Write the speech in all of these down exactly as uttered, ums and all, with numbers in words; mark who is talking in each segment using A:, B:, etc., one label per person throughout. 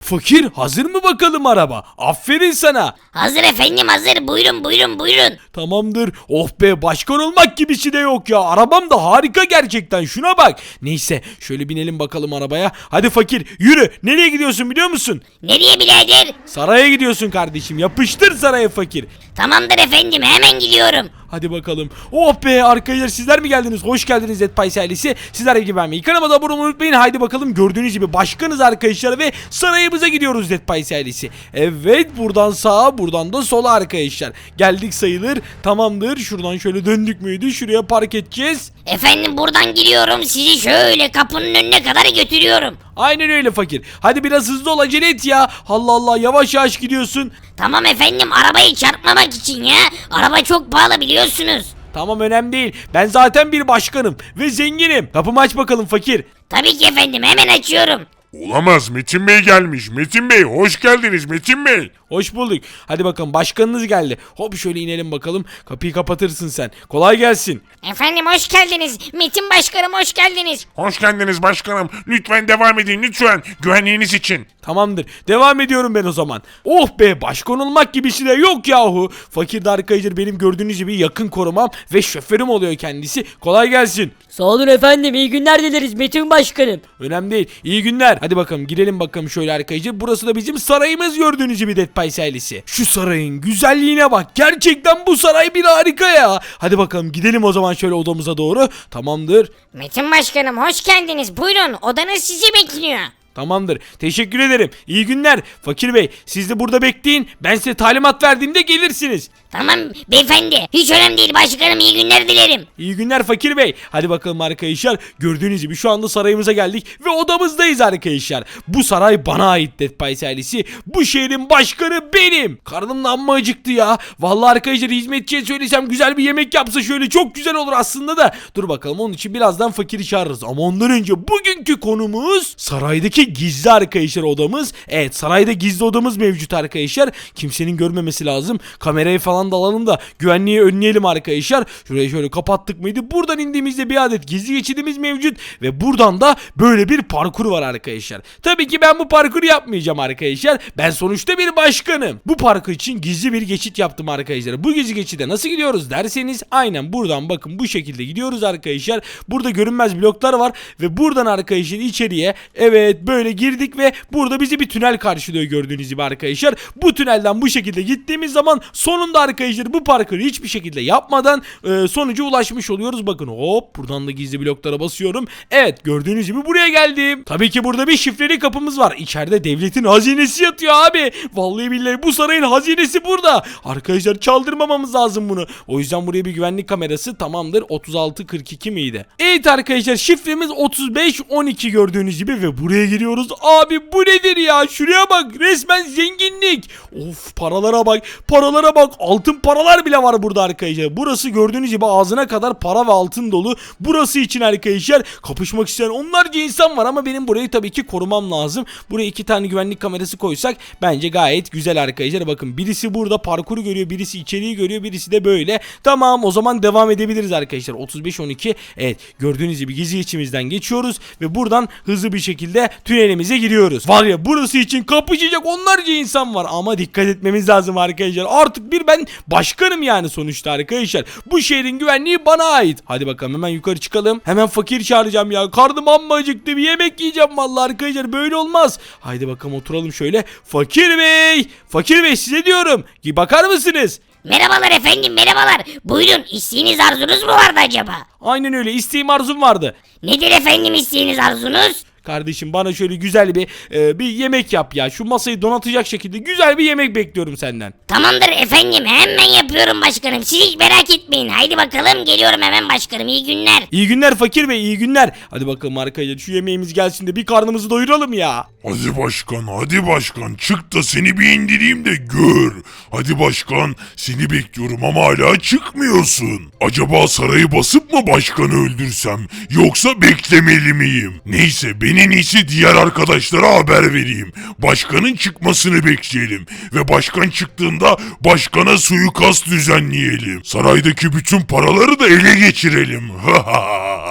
A: Fakir hazır mı bakalım araba? Aferin sana.
B: Hazır efendim, hazır. Buyurun buyurun buyurun.
A: Tamamdır. Oh be, başkan olmak gibisi de yok ya. Arabam da harika gerçekten. Şuna bak. Neyse şöyle binelim bakalım arabaya. Hadi fakir yürü. Nereye gidiyorsun biliyor musun?
B: Nereye birader?
A: Saraya gidiyorsun kardeşim. Yapıştır saraya fakir.
B: Tamamdır efendim, hemen gidiyorum.
A: Hadi bakalım. Oh be arkadaşlar, sizler mi geldiniz? Hoş geldiniz Zetpay ailesi. Sizler gibi ben mi? Kanalıma da abone olmayı unutmayın. Haydi bakalım, gördüğünüz gibi başkanız arkadaşlar ve sarayımıza gidiyoruz Zetpay ailesi. Evet, buradan sağa, buradan da sola arkadaşlar. Geldik sayılır. Tamamdır. Şuradan şöyle döndük müydü? Şuraya park edeceğiz.
B: Efendim buradan giriyorum, sizi şöyle kapının önüne kadar götürüyorum.
A: Aynen öyle fakir. Hadi biraz hızlı ol, acele et ya. Allah Allah, yavaş yavaş gidiyorsun.
B: Tamam efendim, arabayı çarpmamak için ya. Araba çok pahalı biliyorsunuz.
A: Tamam, önemli değil. Ben zaten bir başkanım ve zenginim. Kapımı aç bakalım fakir.
B: Tabii ki efendim, hemen açıyorum.
C: Olamaz, Metin Bey gelmiş. Metin Bey hoş geldiniz Metin Bey.
A: Hoş bulduk. Hadi bakalım, başkanınız geldi. Hop şöyle inelim bakalım. Kapıyı kapatırsın sen. Kolay gelsin.
B: Efendim hoş geldiniz. Metin Başkanım hoş geldiniz.
C: Hoş geldiniz başkanım. Lütfen devam edin lütfen. Güvenliğiniz için.
A: Tamamdır. Devam ediyorum ben o zaman. Oh be, başkan olmak gibisi de yok yahu. Fakir de arkadaşlar benim gördüğünüz gibi yakın korumam ve şoförüm oluyor kendisi. Kolay gelsin.
D: Sağ olun efendim, iyi günler dileriz Metin Başkanım.
A: Önemli değil. İyi günler. Hadi bakalım girelim bakalım şöyle arkadaşlar. Burası da bizim sarayımız, gördüğünüz gibi Dead Pies ailesi. Şu sarayın güzelliğine bak. Gerçekten bu saray bir harika ya. Hadi bakalım gidelim o zaman şöyle odamıza doğru. Tamamdır.
B: Metin Başkanım hoş geldiniz. Buyurun, odanız sizi bekliyor.
A: Tamamdır. Teşekkür ederim. İyi günler. Fakir Bey, siz de burada bekleyin. Ben size talimat verdiğimde gelirsiniz.
B: Tamam beyefendi, hiç önemli değil başkanım, iyi günler dilerim.
A: İyi günler Fakir Bey. Hadi bakalım arkadaşlar. Gördüğünüz gibi şu anda sarayımıza geldik ve odamızdayız arkadaşlar. Bu saray bana ait Dead Pies ailesi. Bu şehrin başkanı benim. Karnım da amma acıktı ya. Vallahi arkadaşlar, hizmetçiye söylesem güzel bir yemek yapsa şöyle çok güzel olur aslında da. Dur bakalım, onun için birazdan Fakir'i çağırırız. Ama ondan önce bugünkü konumuz saraydaki gizli arkadaşlar odamız. Evet, sarayda gizli odamız mevcut arkadaşlar. Kimsenin görmemesi lazım. Kamerayı falan da alalım da güvenliği önleyelim arkadaşlar. Şurayı şöyle kapattık mıydı? Buradan indiğimizde bir adet gizli geçidimiz mevcut ve buradan da böyle bir parkur var arkadaşlar. Tabii ki ben bu parkuru yapmayacağım arkadaşlar. Ben sonuçta bir başkanım. Bu parkur için gizli bir geçit yaptım arkadaşlar. Bu gizli geçide nasıl gidiyoruz derseniz, aynen buradan bakın bu şekilde gidiyoruz arkadaşlar. Burada görünmez bloklar var ve buradan arkadaşlar içeriye, evet böyle girdik ve burada bizi bir tünel karşılıyor gördüğünüz gibi arkadaşlar. Bu tünelden bu şekilde gittiğimiz zaman sonunda arkadaşlar bu parkuru hiçbir şekilde yapmadan e, sonuca ulaşmış oluyoruz. Bakın hop, buradan da gizli bloklara basıyorum. Evet, gördüğünüz gibi buraya geldim. Tabii ki burada bir şifreli kapımız var. İçeride devletin hazinesi yatıyor abi. Vallahi billahi bu sarayın hazinesi burada. Arkadaşlar çaldırmamamız lazım bunu. O yüzden buraya bir güvenlik kamerası, tamamdır. otuz altı kırk iki miydi? Evet arkadaşlar, şifremiz otuz beş on iki gördüğünüz gibi ve buraya giriyoruz. Abi bu nedir ya? Şuraya bak, resmen zenginlik. Of, paralara bak. Paralara bak. Altın paralar bile var burada arkadaşlar. Burası gördüğünüz gibi ağzına kadar para ve altın dolu. Burası için arkadaşlar kapışmak isteyen onlarca insan var ama benim burayı tabii ki korumam lazım. Buraya iki tane güvenlik kamerası koysak bence gayet güzel arkadaşlar. Bakın, birisi burada parkuru görüyor, birisi içeriği görüyor, birisi de böyle. Tamam, o zaman devam edebiliriz arkadaşlar. otuz beş on iki. Evet, gördüğünüz gibi gizli içimizden geçiyoruz ve buradan hızlı bir şekilde tünelimize giriyoruz. Var ya, burası için kapışacak onlarca insan var ama dikkat etmemiz lazım arkadaşlar. Artık bir ben başkanım yani sonuçta arkadaşlar. Bu şehrin güvenliği bana ait. Hadi bakalım hemen yukarı çıkalım. Hemen Fakir çağıracağım ya. Karnım amma acıktı. Bir yemek yiyeceğim vallahi arkadaşlar. Böyle olmaz. Haydi bakalım oturalım şöyle. Fakir Bey. Fakir Bey, size diyorum. Bakar mısınız?
B: Merhabalar efendim, merhabalar. Buyurun, isteğiniz arzunuz mu vardı acaba?
A: Aynen öyle. İsteğim, arzum vardı.
B: Nedir efendim isteğiniz arzunuz?
A: Kardeşim, bana şöyle güzel bir e, bir yemek yap ya. Şu masayı donatacak şekilde güzel bir yemek bekliyorum senden.
B: Tamamdır efendim, hemen yapıyorum başkanım. Siz hiç merak etmeyin. Haydi bakalım, geliyorum hemen başkanım. İyi günler.
A: İyi günler Fakir Bey, iyi günler. Hadi bakalım arkadaşlar, şu yemeğimiz gelsin de bir karnımızı doyuralım ya.
C: Hadi başkan hadi başkan çık da seni bir indireyim de gör. Hadi başkan, seni bekliyorum ama hala çıkmıyorsun. Acaba sarayı basıp mı başkanı öldürsem yoksa beklemeli miyim? Neyse, ben en iyisi diğer arkadaşlara haber vereyim. Başkanın çıkmasını bekleyelim ve başkan çıktığında başkana suikast düzenleyelim. Saraydaki bütün paraları da ele geçirelim.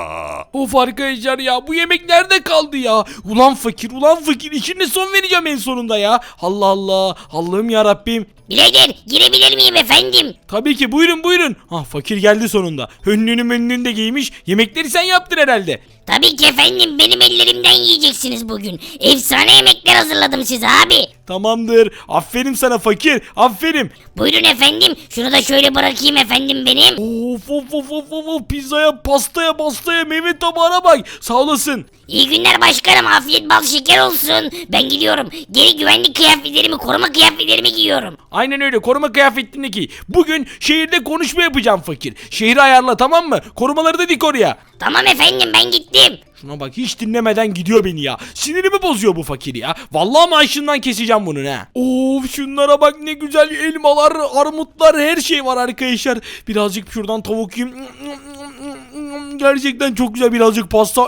A: Of arkadaşlar ya, bu yemek nerede kaldı ya? Ulan fakir, ulan fakir, işine son vereceğim en sonunda ya. Allah Allah, Allah'ım ya Rabbim.
B: Birader girebilir miyim efendim?
A: Tabii ki, buyurun buyurun. Ah, fakir geldi sonunda. Önlüğünü önlüğünü de giymiş. Yemekleri sen yaptın herhalde.
B: Tabii ki efendim, benim ellerimden yiyeceksiniz bugün. Efsane yemekler hazırladım size abi.
A: Tamamdır. Aferin sana fakir. Aferin.
B: Buyurun efendim, şunu da şöyle bırakayım efendim benim.
A: Of of of of of of. Pizzaya, pastaya, pastaya, meyve tabağına bak. Sağ olasın.
B: İyi günler başkanım, afiyet bal şeker olsun. Ben gidiyorum, geri güvenlik kıyafetlerimi, koruma kıyafetlerimi giyiyorum.
A: Aynen öyle, koruma kıyafetini giy. Bugün şehirde konuşma yapacağım fakir. Şehri ayarla, tamam mı? Korumaları da dik oraya.
B: Tamam efendim, ben gittim.
A: Şuna bak, hiç dinlemeden gidiyor beni ya. Sinirimi bozuyor bu fakir ya. Vallahi maaşından keseceğim bunun ha. Of, şunlara bak, ne güzel elmalar, armutlar, her şey var arkadaşlar. Birazcık şuradan tavuk yiyeyim. Gerçekten çok güzel, birazcık pasta.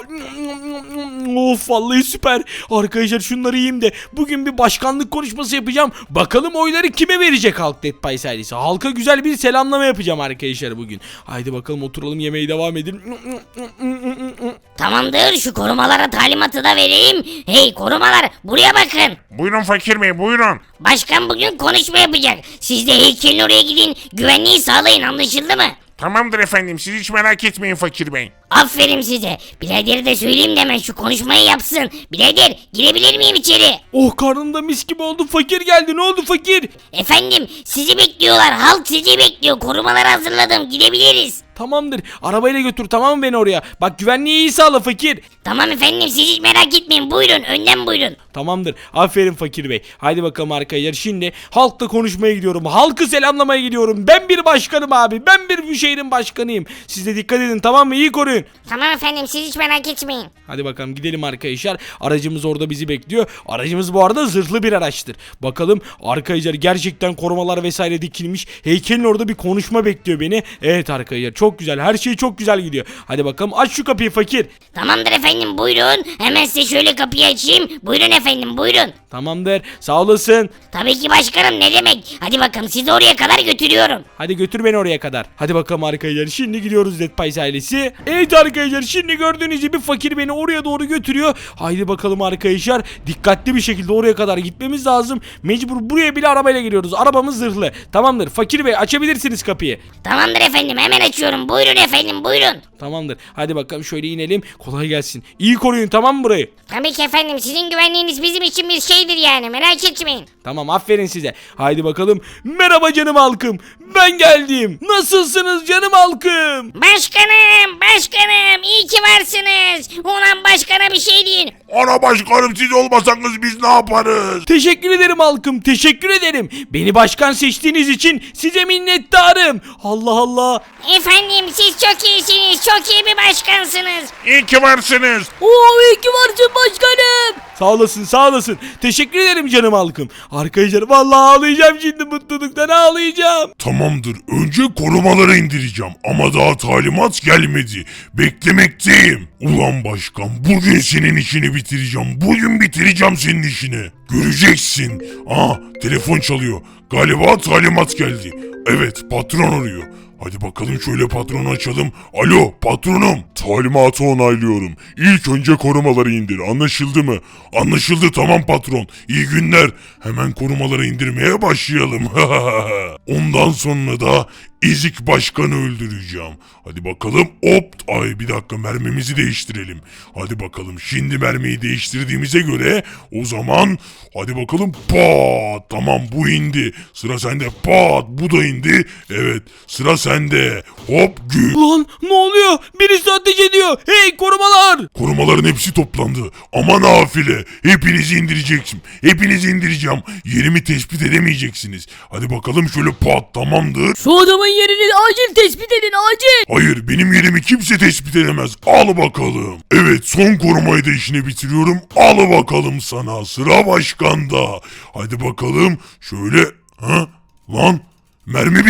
A: Of, vallahi süper. Arkadaşlar şunları yiyeyim de bugün bir başkanlık konuşması yapacağım. Bakalım oyları kime verecek halk Dead Pies ailesi. Halka güzel bir selamlama yapacağım arkadaşlar bugün. Haydi bakalım, oturalım, yemeğe devam edelim.
B: Tamamdır, şu korumalara talimatı da vereyim. Hey korumalar, buraya bakın.
E: Buyurun fakir bey buyurun.
B: Başkan bugün konuşma yapacak. Siz de heykelin oraya gidin, güvenliği sağlayın, anlaşıldı mı?
E: Tamamdır efendim siz hiç merak etmeyin fakir bey.
B: Aferin size. Biraderi de söyleyeyim de hemen şu konuşmayı yapsın. Birader girebilir miyim içeri?
A: Oh, karnımda mis gibi oldu. Fakir geldi. Ne oldu fakir?
B: Efendim sizi bekliyorlar. Halk sizi bekliyor. Korumaları hazırladım. Gidebiliriz.
A: Tamamdır. Arabayla götür, tamam mı, beni oraya? Bak, güvenliği iyi sağla fakir.
B: Tamam efendim, siz hiç merak etmeyin. Buyurun, önden buyurun.
A: Tamamdır. Aferin fakir bey. Haydi bakalım arkadaşlar. Şimdi halkla konuşmaya gidiyorum. Halkı selamlamaya gidiyorum. Ben bir başkanım abi. Ben bir bu şehrin başkanıyım. Siz de dikkat edin, tamam mı? İyi koruyun.
B: Tamam efendim, siz hiç merak etmeyin.
A: Hadi bakalım gidelim arkadaşlar. Aracımız orada bizi bekliyor. Aracımız bu arada zırhlı bir araçtır. Bakalım arkadaşlar, gerçekten korumalar vesaire dikilmiş. Heykelin orada bir konuşma bekliyor beni. Evet arkadaşlar, çok güzel. Her şey çok güzel gidiyor. Hadi bakalım, aç şu kapıyı fakir.
B: Tamamdır efendim, buyurun. Hemen size şöyle kapıyı açayım. Buyurun efendim, buyurun.
A: Tamamdır. Sağ olasın.
B: Tabii ki başkanım, ne demek. Hadi bakalım, sizi oraya kadar götürüyorum.
A: Hadi götür beni oraya kadar. Hadi bakalım arkadaşlar. Şimdi gidiyoruz Dead Pies ailesi. Evet arkadaşlar, şimdi gördüğünüz gibi fakir beni oraya doğru götürüyor. Haydi bakalım arkadaşlar. Dikkatli bir şekilde oraya kadar gitmemiz lazım. Mecbur buraya bile arabayla geliyoruz. Arabamız zırhlı. Tamamdır. Fakir bey, açabilirsiniz kapıyı.
B: Tamamdır efendim, hemen açıyorum. Buyurun efendim, buyurun.
A: Tamamdır. Hadi bakalım, şöyle inelim. Kolay gelsin. İyi koruyun, tamam mı burayı?
B: Tabii ki efendim, sizin güvenliğiniz bizim için bir şeydir yani, merak etmeyin.
A: Tamam, aferin size. Haydi bakalım. Merhaba canım halkım. Ben geldim. Nasılsınız canım halkım?
B: Başkanım, başkanım, iyi ki varsınız. Ulan başkana bir şey deyin.
C: Ana başkanım, siz olmasanız biz ne yaparız?
A: Teşekkür ederim halkım. Teşekkür ederim. Beni başkan seçtiğiniz için size minnettarım. Allah Allah.
B: Efendim siz çok iyisiniz, çok iyi bir başkansınız.
E: İyi ki varsınız.
D: Oo iyi ki varsın başkanım.
A: Sağ olasın, sağ olasın. Teşekkür ederim canım halkım. Arkadaşlar vallahi ağlayacağım şimdi, mutluluktan ağlayacağım.
C: Tamamdır, önce korumaları indireceğim ama daha talimat gelmedi. Beklemekteyim. Ulan başkan, bugün senin işini bitireceğim. Bugün bitireceğim senin işini. Göreceksin. Aa, telefon çalıyor. Galiba talimat geldi. Evet, patron arıyor. Hadi bakalım, şöyle patronu açalım. Alo patronum. Talimatı onaylıyorum. İlk önce korumaları indir. Anlaşıldı mı? Anlaşıldı, tamam patron. İyi günler. Hemen korumaları indirmeye başlayalım. Ondan sonra da Ezik başkanı öldüreceğim. Hadi bakalım, hop, ay bir dakika, mermimizi değiştirelim. Hadi bakalım, şimdi mermiyi değiştirdiğimize göre o zaman hadi bakalım, pat, tamam bu indi. Sıra sende, pat, bu da indi. Evet, sıra sende. Hop, gü.
A: Lan ne oluyor? Birisi ateş ediyor. Hey korumalar.
C: Korumaların hepsi toplandı. Ama nafile. Hepinizi indireceksin. Hepinizi indireceğim. Yerimi tespit edemeyeceksiniz. Hadi bakalım, şöyle pat, tamamdır.
D: Şu adamın yerini acil tespit edin acil.
C: Hayır, benim yerimi kimse tespit edemez. Al bakalım. Evet, son korumayı da işini bitiriyorum. Al bakalım sana. Sıra başkanda. Hadi bakalım. Şöyle. Ha? Lan. Mermi bitti.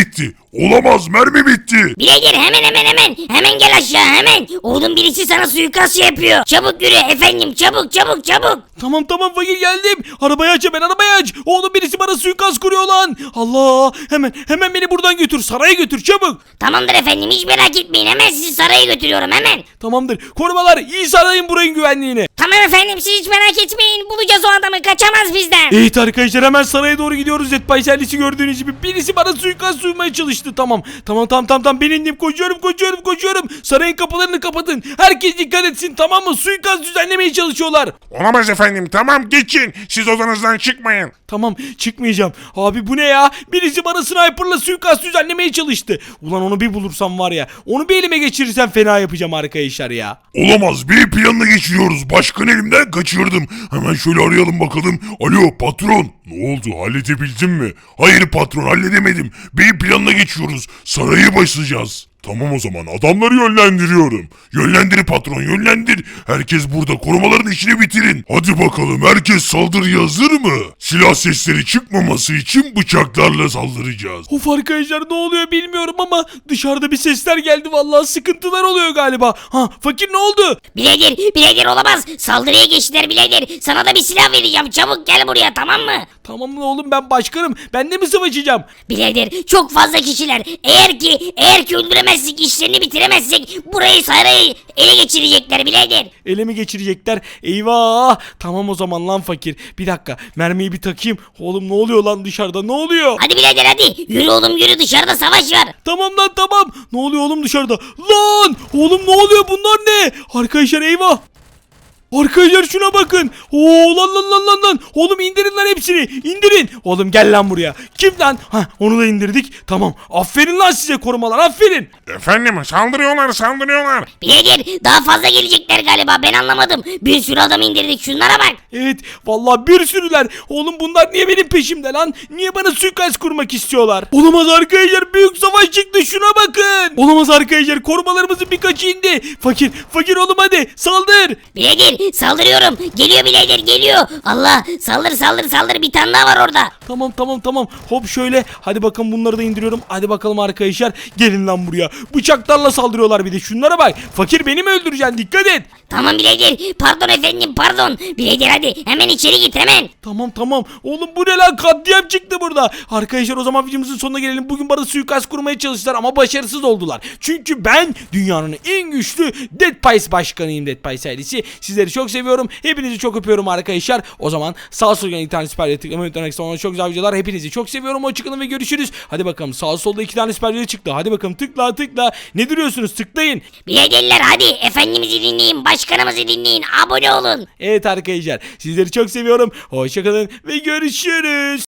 C: Olamaz, mermi bitti.
B: Birader hemen hemen hemen. Hemen gel aşağı hemen. Oğlum birisi sana suikast yapıyor. Çabuk yürü efendim çabuk çabuk çabuk.
A: Tamam tamam fakir geldim. Arabayı aç hemen arabayı aç. Oğlum birisi bana suikast kuruyor lan. Allah hemen hemen beni buradan götür saraya götür çabuk.
B: Tamamdır efendim hiç merak etmeyin. Hemen sizi saraya götürüyorum hemen.
A: Tamamdır korumalar iyi sarayın burayın güvenliğini.
B: Tamam efendim siz hiç merak etmeyin. Bulacağız o adamı kaçamaz bizden.
A: Evet arkadaşlar hemen saraya doğru gidiyoruz. Zetbay servisi gördüğünüz gibi birisi bana suikast sunmaya çalıştı. Tamam tamam tamam tamam tamam ben indim koşuyorum koşuyorum koşuyorum. Sarayın kapılarını kapatın. Herkes dikkat etsin tamam mı? Suikast düzenlemeye çalışıyorlar.
E: Olamaz efendim tamam geçin. Siz odanızdan çıkmayın.
A: Tamam çıkmayacağım. Abi bu ne ya? Birisi bana sniperla suikast düzenlemeye çalıştı. Ulan onu bir bulursam var ya. Onu bir elime geçirirsem fena yapacağım arkadaşlar ya.
C: Olamaz, bir planla geçiriyoruz. Başkan elimden kaçırdım. Hemen şöyle arayalım bakalım. Alo patron. Ne oldu, halledebildin mi? Hayır patron, halledemedim. Bir planla geçiyoruz. Sarayı basacağız. Tamam o zaman adamları yönlendiriyorum. Yönlendir patron yönlendir. Herkes burada, korumaların işini bitirin. Hadi bakalım, herkes saldırıya hazır mı? Silah sesleri çıkmaması için bıçaklarla saldıracağız.
A: Of arkadaşlar ne oluyor bilmiyorum ama dışarıda bir sesler geldi vallahi sıkıntılar oluyor galiba. Ha fakir ne oldu?
B: Birader birader olamaz. Saldırıya geçtiler birader. Sana da bir silah vereceğim. Çabuk gel buraya tamam mı?
A: Tamam mı oğlum ben başkanım. Ben de mi savaşacağım?
B: Birader çok fazla kişiler. Eğer ki eğer ki öldüremezsek işlerini bitiremezsek burayı sarayı ele geçirecekler birader.
A: Ele mi geçirecekler? Eyvah! Tamam o zaman lan fakir. Bir dakika mermiyi bir takayım. Oğlum ne oluyor lan dışarıda ne oluyor?
B: Hadi birader hadi. Yürü oğlum yürü dışarıda savaş var.
A: Tamam lan tamam. Ne oluyor oğlum dışarıda? Lan! Oğlum ne oluyor bunlar ne? Arkadaşlar eyvah! Arkadaşlar şuna bakın. Oo lan lan lan lan lan. Oğlum indirin lan hepsini. İndirin. Oğlum gel lan buraya. Kim lan? Ha onu da indirdik. Tamam. Aferin lan size korumalar. Aferin.
E: Efendim saldırıyorlar saldırıyorlar.
B: Birader daha fazla gelecekler galiba ben anlamadım. Bir sürü adam indirdik şunlara bak.
A: Evet vallahi bir sürüler. Oğlum bunlar niye benim peşimde lan? Niye bana suikast kurmak istiyorlar? Olamaz arkadaşlar büyük savaş çıktı şuna bakın. Olamaz arkadaşlar korumalarımızın birkaçı indi. Fakir fakir oğlum hadi saldır.
B: Birader saldırıyorum. Geliyor birader geliyor. Allah saldır saldır saldır bir tane daha var orada.
A: Tamam tamam tamam hop şöyle hadi bakın bunları da indiriyorum. Hadi bakalım arkadaşlar gelin lan buraya. Bıçaklarla saldırıyorlar bir de şunlara bak. Fakir beni mi öldüreceksin dikkat et.
B: Tamam birader pardon efendim pardon. Birader hadi hemen içeri git hemen.
A: Tamam tamam. Oğlum bu ne lan katliam çıktı burada. Arkadaşlar o zaman videomuzun sonuna gelelim. Bugün bana suikast kurmaya çalıştılar ama başarısız oldular. Çünkü ben dünyanın en güçlü Dead Pies başkanıyım Dead Pies ailesi. Sizleri çok seviyorum. Hepinizi çok öpüyorum arkadaşlar. O zaman sağ sol internet süperleri tıklamayı unutmayın. Sonra çok güzel videolar. Hepinizi çok seviyorum. Hoşçakalın ve görüşürüz. Hadi bakalım sağ solda iki tane süper video çıktı. Hadi bakalım tıkla tıkla. Ne duruyorsunuz tıklayın.
B: Biraderler hadi efendimizi dinleyin başkanımızı dinleyin abone olun.
A: Evet arkadaşlar sizleri çok seviyorum. Hoşçakalın ve görüşürüz.